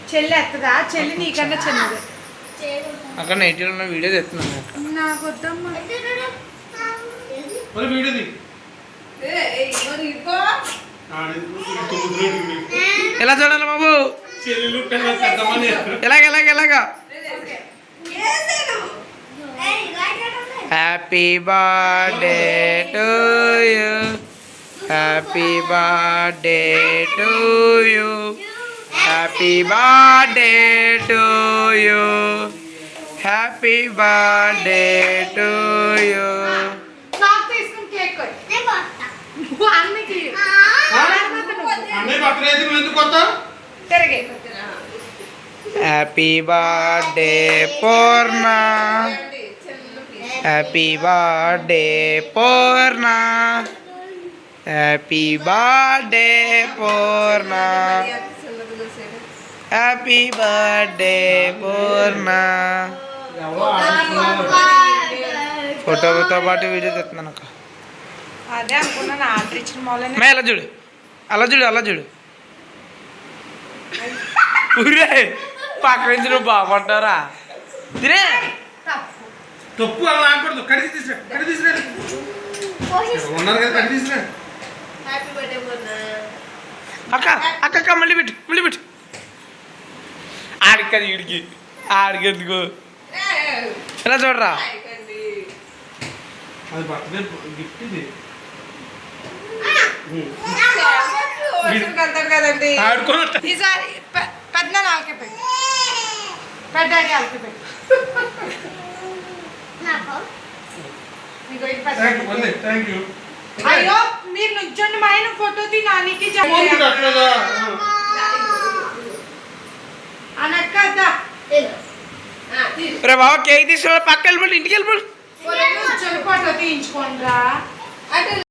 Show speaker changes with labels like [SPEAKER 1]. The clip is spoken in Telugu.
[SPEAKER 1] చెల్లి ఎత్తదా చెల్లి నీకన్నా చిన్నది
[SPEAKER 2] అక్కడ నైట్లో ఉన్న వీడియో తెస్తున్నాను
[SPEAKER 1] నాకు వద్దమ్మా
[SPEAKER 2] ఎలా చూడాలి బాబు ఎలాగా happy birthday to you happy birthday to you happy birthday to you happy birthday to you
[SPEAKER 1] నాకు తీసుకుని కేక్ కొట్టు అన్నకి తిరగే
[SPEAKER 2] happy birthday Purna happy birthday Purna happy birthday Purna happy birthday Purna ఫోటోతో పాటు వీడియో తెస్తున్నాను అక్క
[SPEAKER 1] అదే అనుకున్నాను ఆర్డర్ ఇచ్చిన మొదలనే
[SPEAKER 2] అలా చూడు ఊరే పక్క నుంచి నువ్వు బాగుంటారా తినే
[SPEAKER 3] తప్పు అలా ఆకూడదు కడిగి తీసుకురా ఉన్నారు కదా కడిగి తీసుకురా
[SPEAKER 2] అక్క మళ్ళీ పెట్టు ఆడికి ఆడికి ఎందుకు ఎలా చూడరా
[SPEAKER 3] అది బర్త్డే గిఫ్ట్ ఇది
[SPEAKER 1] కదండి
[SPEAKER 3] ఆడుకోనట్టు
[SPEAKER 1] ఈసారి పెద్ద నాకే పెట్టు పెద్దాడి వాళ్ళకి పెట్టు
[SPEAKER 3] థ్యాంక్ యూ
[SPEAKER 1] అయ్యో మీరు నుంచోండి మా ఆయన ఫోటో తీ నానికి అనక్క
[SPEAKER 2] రే బాబా కేక్ తీసుకురా పక్క వెళ్ళిపోయి ఇంటికి వెళ్ళిపోయి
[SPEAKER 1] ఫోటో తీయించుకోండి రా